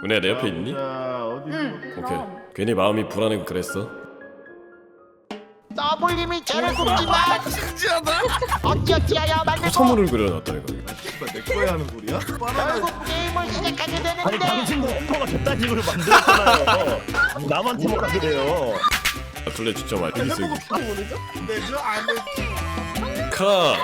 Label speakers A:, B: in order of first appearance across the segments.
A: 은혜야 내 옆에 있니?
B: 응.
A: 오케이. 괜히 마음이 불안해고 그랬어.
C: 더블님이 죄를 굽지마.
D: 진지하다.
C: 어찌어찌하여 만들고
A: 선물을 그려놨다는 거.
D: 내 거야 하는 소리야?
C: 결국 게임을 시작하게
E: 아니
C: 되는데
E: 당신도 햄버거 저딴 식으로 만들었잖아요. 나만 팀워크하게 돼요.
A: 둘레 진짜 많이 여기 있어 여기.
D: 내저 안에
A: 카.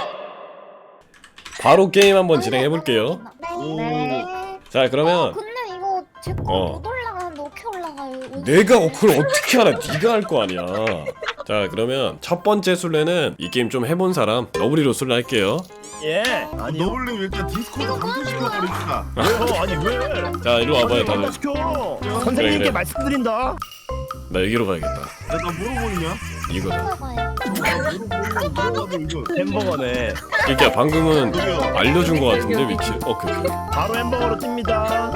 A: 바로 게임 한번 진행해 볼게요.
B: 네.
A: 자 그러면
B: 근데 이거 제거 못 올라가는데 어떻게 올라가요?
A: 내가 그걸 어떻게 알아? 네가 할 거 아니야. 자 그러면 첫 번째 술래는 이 게임 좀 해본 사람 너브리로 술래 할게요.
E: 예. 아니요.
D: 너블님 일단 디스코드 감소시켜 버립시다.
E: 왜요? 아니 왜?
A: 자 이리 와봐요 다들.
E: 시켜. 선생님께
A: 그래.
E: 말씀드린다.
A: 나 여기로 가야겠다.
D: 나 물어보느냐?
A: 이거를.
B: 올라가요.
D: 물어보고 이거.
E: 햄버거네.
A: 그러니까 방금은 알려준 거 같은데 위치. 오케이.
E: 바로 햄버거로 찝니다.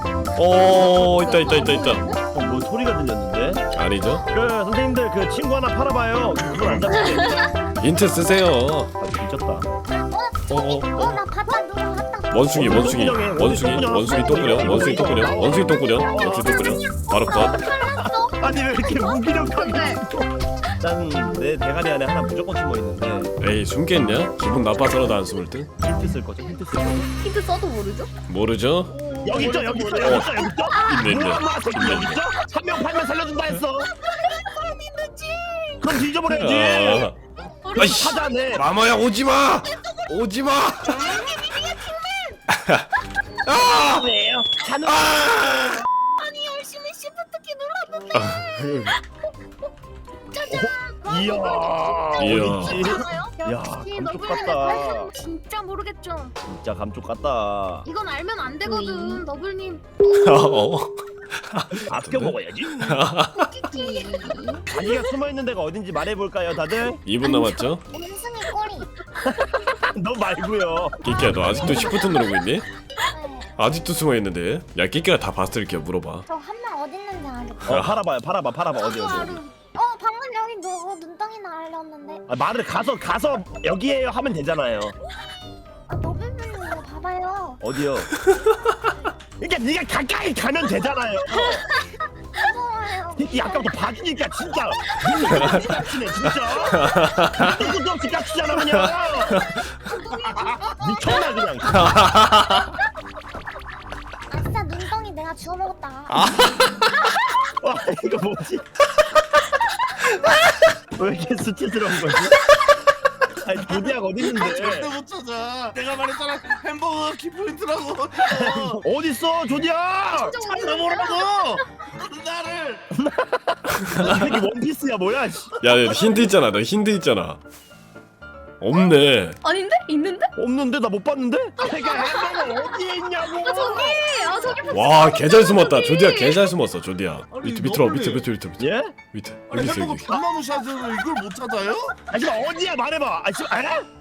A: 있다.
E: 뭐 소리가 들렸는데?
A: 아니죠?
E: 그 선생님들 그 친구 하나 팔아봐요. 그걸 안 잡을게.
A: 힌트 쓰세요.
E: 아 미쳤다.
B: 나 봤다 누가 봤다.
A: 원숭이 똥꾸녕. 바로 컷.
E: 아니 왜 이렇게 무기력하게? 난내 대가리 안에 하나 무조건 숨어 있는데.
A: 에이 숨겠냐? 기분 나빠서라도 안 숨을 듯?
E: 힌트 쓸 거죠? 힌트 쓸 거죠?
B: 힌트 써도 모르죠?
A: 모르죠?
E: 여기 있죠? 여기 있죠?
A: 있네.
E: 뭐야 마 새끼 여기 있죠? 한 명 팔면 살려준다 했어. 그럼 뒤져버려야지.
A: 아이씨.
E: 하자네.
A: 마마야 오지마! 오지마! 아!
E: 왜요? 하는
B: 아니 열심히 시프트키 눌렀는데.
E: 이야.
A: 이야.
E: 야,
B: 역시
E: 감쪽
B: 너블님
E: 같다.
B: 진짜 모르겠죠.
E: 진짜 감쪽 같다.
B: 이건 알면 안 되거든, 너블님.
E: 아껴 먹어야지. 자기가 숨어 있는 데가 어딘지 말해볼까요, 다들?
A: 2분 남았죠?
B: 원숭이 꼬리.
E: 너 말고요.
A: 끼끼야 너 아직도 시프트 누르고 있니? 아직도 숨어있는데 야 끼끼가 다 봤을게 물어봐.
B: 저 한 명 어디 있는지 알겠다.
E: 팔아봐요, 팔아봐 어디.
B: 방금 여기 누구 눈덩이나 알렸는데.
E: 아, 말을 가서 여기에요 하면 되잖아요.
B: 너블님 이거 봐봐요.
E: 어디요? 그러니까 네가 가까이 가면 되잖아요.
B: 무서워요.
E: 이 아까부터 봐주니까 진짜 눈이 깝치네 진짜. 이것도 없이 깝치잖아 그냥. 미쳤나 그냥.
B: 아싸 눈덩이 내가 주워 먹었다.
E: 와 이거 뭐지? 왜 이렇게 수치스러운 거지? 아니 조디아가 어디
D: 절대
E: 있는데?
D: 못 찾아. 내가 말했잖아. 햄버거 키포인트라고.
E: 어디 있어 조디아?
D: 찾아보라고. 나를.
E: 이게 원피스야 뭐야? 씨.
A: 야 힌트 있잖아 너 힌트 있잖아. 없네.
B: 아닌데? 있는데?
E: 없는데 나 못 봤는데? 내가 햄버거 어디에 있냐고?
B: 저기
A: 와 개 잘 숨었다. 조디야 개 잘 숨었어 조디야. 밑으로 밑에
E: 예?
A: 밑에
D: 아니
A: 여기 있어
D: 햄버거
A: 여기.
D: 편마무 샷으로 이걸 못 찾아요?
E: 아니 어디야 말해봐. 아 지금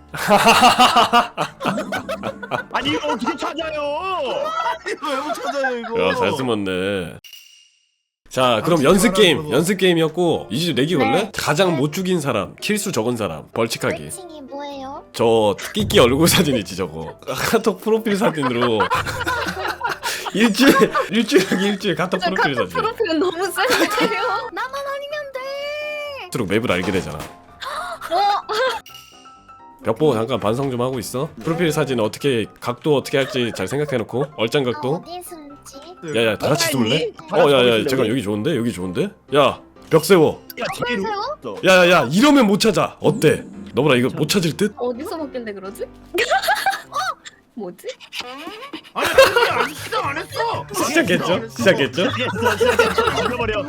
E: 아니 이거 어떻게 찾아요?
D: 이거 왜 못 찾아요 이거?
A: 야 잘 숨었네. 자 그럼 연습 게임이었고 이제 내기 걸래? 가장 못 죽인 사람 킬수 적은 사람 벌칙하기.
B: 벌칙이 뭐예요?
A: 저 끼끼 얼굴 사진이지 저거. 카톡 프로필 사진으로 일주일 카톡 프로필 사진.
B: 프로필은 너무 센데요. 나만 아니면 돼.
A: 스스로 맵을 알게 되잖아. 벽 보고 잠깐 반성 좀 하고 있어. 프로필 사진 어떻게 각도 어떻게 할지 잘 생각해놓고 얼짱 각도.
B: 어디 숨지?
A: 야야 다 같이 숨을래?
E: 다 같이
A: 야야
E: 숨을래,
A: 잠깐
E: 우리?
A: 여기 좋은데 여기 좋은데? 야 벽 세워.
E: 야 제기로.
A: 야야야 이러면 못 찾아. 어때? 너보라 이거 못 찾을 듯?
B: 어디서 먹길래 그러지? 뭐지?
D: 아니 아니 아직 시작 안 했어.
A: 시작했죠? 시작했죠?
E: 죽여버려.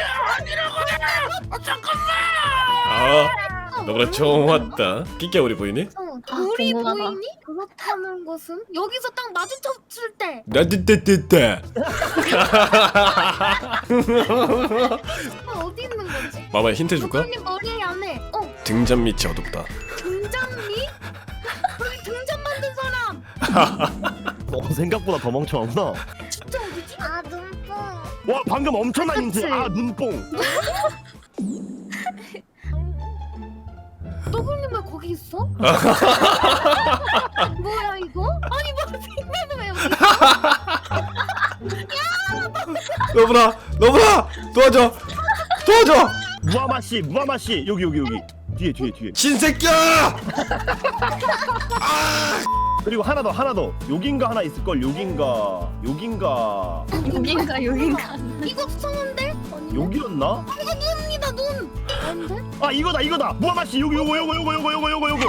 A: 아 너보라 좋았다. 끼끼야 우리 보이니?
B: 우리 보이니? 그렇다는 것은 여기서 딱 마주쳤을 때.
A: 나뜨뜨뜨뜨.
B: 어디 있는 거지?
A: 마마 힌트 줄까?
B: 너블님 머리 안에.
A: 등잔 밑이 어둡다.
B: 등장미? 여기 등잔 만든 사람.
E: 생각보다 더 멍청하구나.
B: 진짜 어디지? 아 눈뽕.
E: 와 방금 엄청난
B: 그치?
E: 힌트. 아 눈뽕.
B: 너블님 왜 거기 있어? 뭐야 이거? 아니 뭐 빅맨은 왜 여기 있어? 야
A: 너브라 도와줘
E: 무하마 씨 여기 뒤에.
A: 신새끼야.
E: 그리고 하나 더. 여긴가 하나 있을 걸. 여긴가.
B: 여긴가. 이거 성한데? 아니.
E: 여기였나?
B: 이거 눈이다 눈. 아닌데?
E: 아 이거다. 무하마 씨 요거.
B: 이거는 어딨어?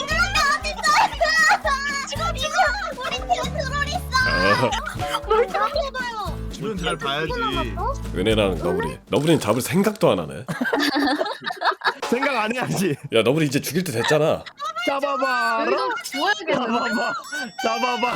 B: 지금 우리 팀 트롤 있어. 뭘 잡아봐요.
D: 주변 잘 봐야지.
A: 은혜랑 너브리는 잡을 생각도 안 하네.
E: 생각 안 해야지.
A: 야 너브리 이제 죽일 때 됐잖아.
E: 잡아봐.
B: 이거 주워야겠는데?
E: 잡아봐.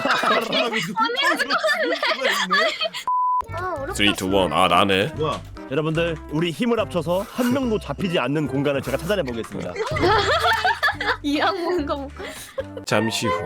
B: 아 어렵다.
A: 3, 2, 1. 아 나네.
D: 뭐야?
E: 여러분들 우리 힘을 합쳐서 한 명도 잡히지 않는 공간을 제가 찾아내 보겠습니다.
B: 이 악몽가 뭐.
A: 잠시 후.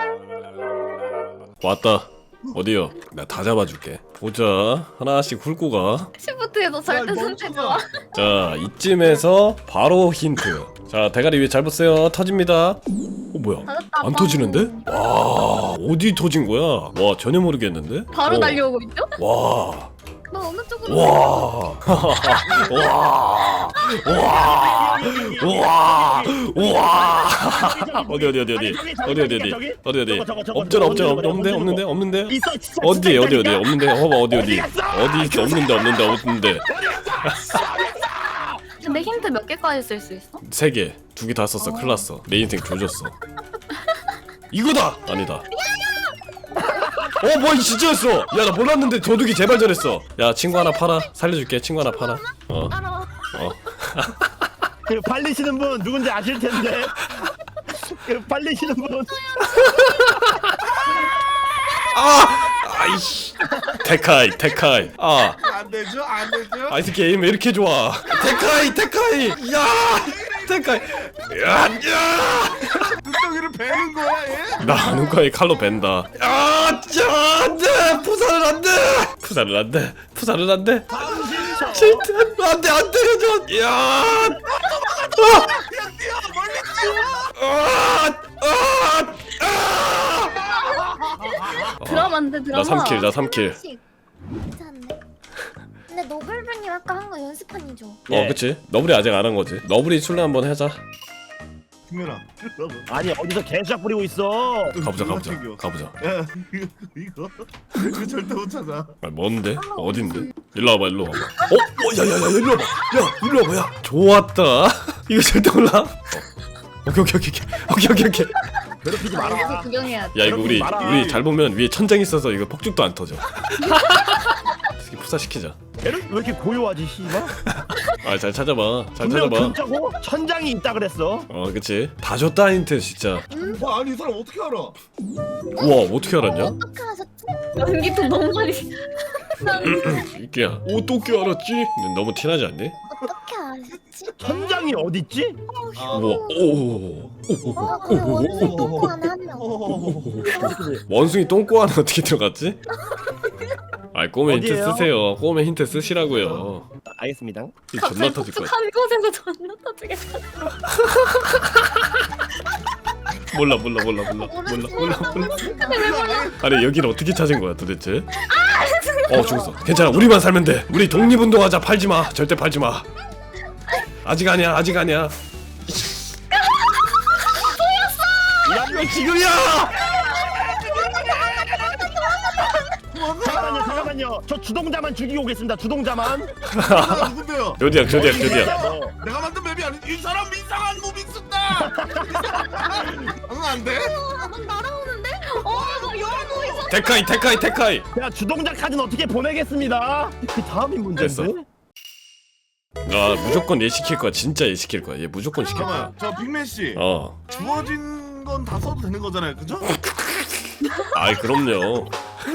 A: 왔다. 어디요? 나 다 잡아줄게. 보자. 하나씩 훑고 가.
B: 시프트에서 절대 선택 좋아.
A: 자 이쯤에서 바로 힌트. 자 대가리 위에 잘 보세요. 터집니다. 뭐야? 안 터지는데? 와 어디 터진 거야? 와 전혀 모르겠는데?
B: 바로 달려오고 있죠?
A: 와.
B: 너 어느 쪽으로?
A: 와. 와. 어디. 없는데.
E: 있어 진짜.
A: 어디 없는데. 봐봐 어디 있어 없는데.
B: 근데 힌트 몇 개까지 쓸 수 있어?
A: 3개, 2개 다 썼어. 큰일 났어. 내 인생 조졌어. 이거다. 아니다. 뭐야 진짜였어. 야 나 몰랐는데 도둑이 제발 저랬어. 야 친구 하나 팔아. 살려줄게. 친구 하나 팔아.
B: 따라와.
E: 그 팔리시는 분 누군지 아실 텐데. 그 팔리시는 분.
A: 아이씨. 테카이.
D: 안 되죠?
A: 아이스 게임 왜 이렇게 좋아? 테카이. 야. 테카이. 야.
D: 눈덩이를 베는 거야 얘?
A: 나 눈가에 칼로 벤다. 안돼. 푸사를 안 돼. 진짜 안 때려줘. 야.
D: 뛰어 멀리
B: 드라마인데 드라마.
A: 나 3킬.
B: 괜찮네. 근데 노벨병님 아까 한 거 연습판이죠?
A: 그치. 너브리 아직 안 한 거지. 너브리 술래 한번 하자.
D: 김연아.
E: 아니 어디서 개수작 부리고 있어.
A: 가보자.
D: 야 이거 절대 못 찾아.
A: 뭔데? 어딘데? 일로 와봐. 야야야 일로 와봐. 야 좋았다. 이거 절대 몰라. 오케이.
E: 괴롭히지
B: 여기서
E: 마라.
B: 구경해야 돼.
A: 야 이거 우리 잘 보면 위에 천장 있어서 이거 폭죽도 안 터져. 특히 푸사시키자.
E: 얘는 왜 이렇게 고요하지 씨발?
A: 잘 찾아봐.
E: 분명 근처고 천장이 있다 그랬어.
A: 그치. 다 줬다 힌트 진짜.
D: 아니 이 사람 어떻게 알아?
A: 우와 어떻게 알았냐?
B: 어떻게 하셨지? 연기도 너무 많이.
A: 이끼야 어떻게 알았지? 근데 너무 티나지 않니?
B: 어떻게 아셨지?
E: 천장이 어딨지?
A: 우와
B: 그래 원숭이 똥꼬 안에 한 명.
A: 원숭이 똥꼬 안에 어떻게 들어갔지? 꼬매 힌트
E: 어디예요?
A: 쓰세요. 꼬매 힌트 쓰시라고요.
E: 알겠습니다.
A: 이 존나 터질 거야.
B: 한 곳에서 존나 터지겠어.
A: 몰라. 아니 여기를 어떻게 찾은 거야 도대체? 죽었어. 괜찮아. 우리만 살면 돼. 우리 독립운동하자. 팔지 마. 절대 팔지 마. 아직 아니야.
E: 이거 지금이야! 잠깐만요. 저 주동자만 죽이고 오겠습니다. 주동자만.
D: 누군데요?
A: 조디야.
D: 내가 만든 맵이 아니. 이 사람 이상한 무빙 쓴다. 안 돼?
B: 날아오는데? 나 열고 있어.
A: 테카이.
E: 야 주동자 카드는 어떻게 보내겠습니다. 그 다음이 문제인데.
A: 됐어. 무조건 얘 시킬 거야. 진짜 얘 시킬 거야. 얘 무조건 시킬 거야.
D: 잠깐만. 저 빅맨 씨. 주어진 건 다 써도 되는 거잖아요, 그죠?
A: 그럼요.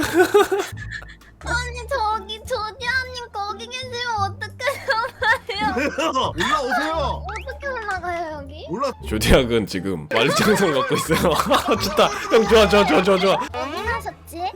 B: 아니 저기 조디아님 거기 계시면 어떡해요?
D: 올라오세요.
B: 어떻게 올라가요 여기?
D: 올라.
A: 조디악은 지금 만리장성을 갖고 있어요. 좋다. 형 좋아.
B: 어디 가셨지?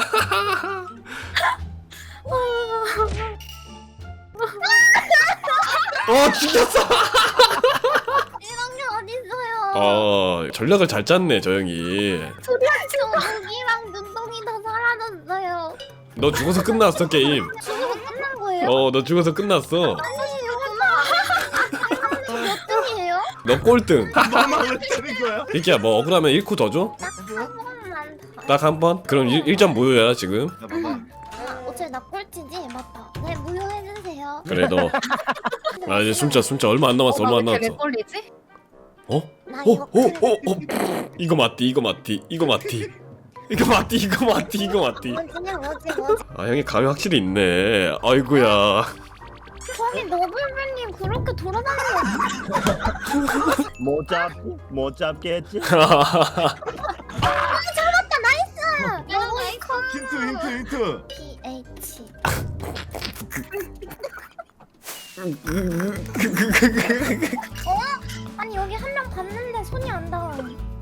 A: 죽였어.
B: 이런 게 어딨어요?
A: 전략을 잘 짰네 저 형이.
B: 조디아님 여기랑 눈동이 다 사라졌어요.
A: 너 죽어서 끝났어 게임.
B: 죽어서 거예요?
A: 너 죽어서 끝났어.
B: 몇 등이에요?
A: 너 꼴등.
D: 너만 왜 때린 거야?
A: 이끼야 뭐 억울하면 1코 더 줘?
B: 한 번만 더.
A: 딱 한 번? 그럼 1점 무효야 지금.
D: 야 봐봐.
B: 어차피 나 꼴찌지? 맞다. 네, 무효해주세요.
A: 그래 너. 아 이제 숨자 얼마 안 남았어 얼마 안
B: 왜
A: 남았어.
B: 꼴리지?
A: 어?
B: 나 이거
A: 이거 맞디.
B: 뭐지?
A: 아 형이 감이 확실히 있네. 아이고야.
B: 저기 너블배님 그렇게 돌아다니는
E: 못 잡겠지?
D: 힌트.
B: PH 아니 여기 한 명 봤는데 손이 안 닿아.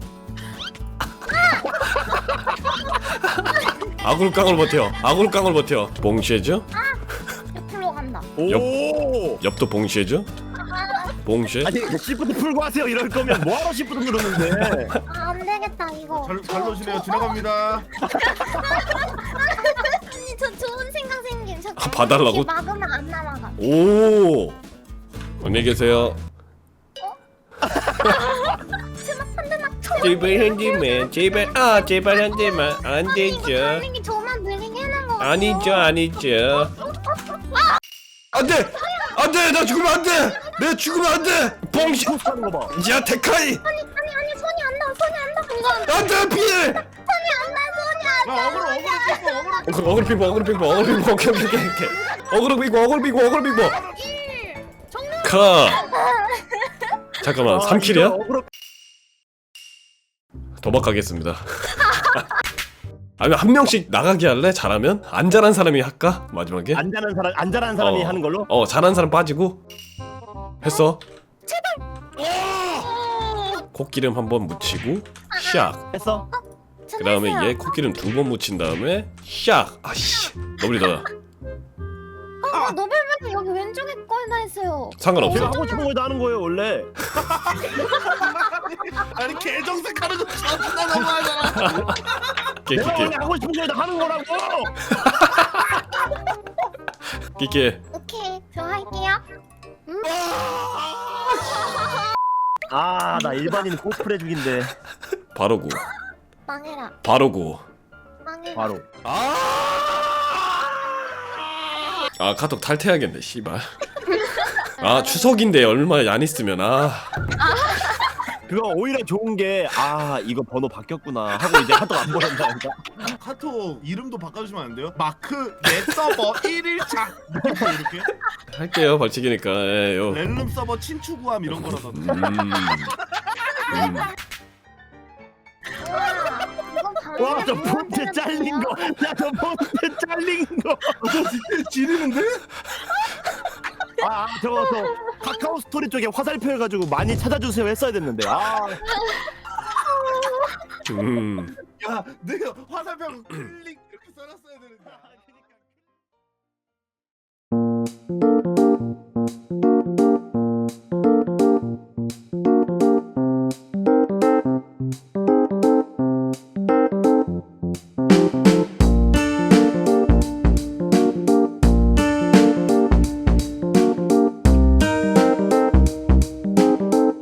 A: 아굴깡을 버텨. 봉쉐죠?
B: 옆으로 간다.
E: 오.
A: 옆도 봉쉐죠? 봉쉐?
E: 아니 시프트 풀고 하세요. 이럴 거면 뭐하러 시프트 누르는데?
B: 아, 안 되겠다 이거.
D: 잘 놓으시네요. 지나갑니다.
B: 아니 저 좋은 생각 생긴. 저
A: 봐달라고?
B: 이렇게 막으면 안 날아가.
A: 오. 안녕히 계세요. 제발 한 대만 안
B: 달리기 저만 느리게 해놓은 거.
A: 아니죠. 안돼 나 죽으면 안돼. 내가 죽으면 안돼. 봉쉐.
E: 하는 거 봐.
A: 야 데카이.
B: 아니 손이 안 닿아. 이거
A: 안돼 피해.
B: 손이 안 닿아.
D: 야 어그로.
A: 어그로 빙고 오케이. 어그로 빙고.
B: 정말
A: 카. 잠깐만 3킬이야?
E: 어그로.
A: 도박하겠습니다. 아니면 한 명씩 나가게 할래? 잘하면? 안 잘한 사람이 할까? 마지막에?
E: 안 잘하는 사람이 하는 걸로?
A: 잘하는 사람 빠지고 했어. 콧기름 한번 묻히고 샥.
E: 했어?
A: 그 다음에 얘 콧기름 2번 묻힌 다음에 샥. 아씨 너블이다.
B: 너블배님 여기 왼쪽에 거에다 했어요.
A: 상관없어.
E: 제가 하고 싶은 걸 다 하는 거예요 원래.
D: 아니 개정색하는 거 존나 너무하잖아.
E: 내가 원래
A: 끼끼
E: 하고 싶은 걸 다 하는 거라고.
A: 끼끼.
B: 오케이 저 할게요.
E: 아 나 일반인 코스프레 죽인데.
A: 바로 구.
B: 망해라.
A: 바로
E: 바로.
A: 아 카톡 탈퇴하겠네 씨발. 아 추석인데 얼마 안 있으면
E: 그거 오히려 좋은 게 이거 번호 바뀌었구나 하고 이제 카톡 안 보낸다니까.
D: 카톡 이름도 바꿔주시면 안 돼요? 마크 내 서버 1일차 이렇게
A: 할게요 벌칙이니까. 요.
D: 렐름 서버 친추구함 이런 거라던데.
E: 와 저 폰트 잘린 거. 야 저 폰트 잘린 거.
D: 지리는데?
E: 저거 카카오 스토리 쪽에 화살표 해가지고 많이 찾아주세요 했어야 됐는데.
D: 야 내가 화살표 클릭 이렇게 써놨어야 되는데.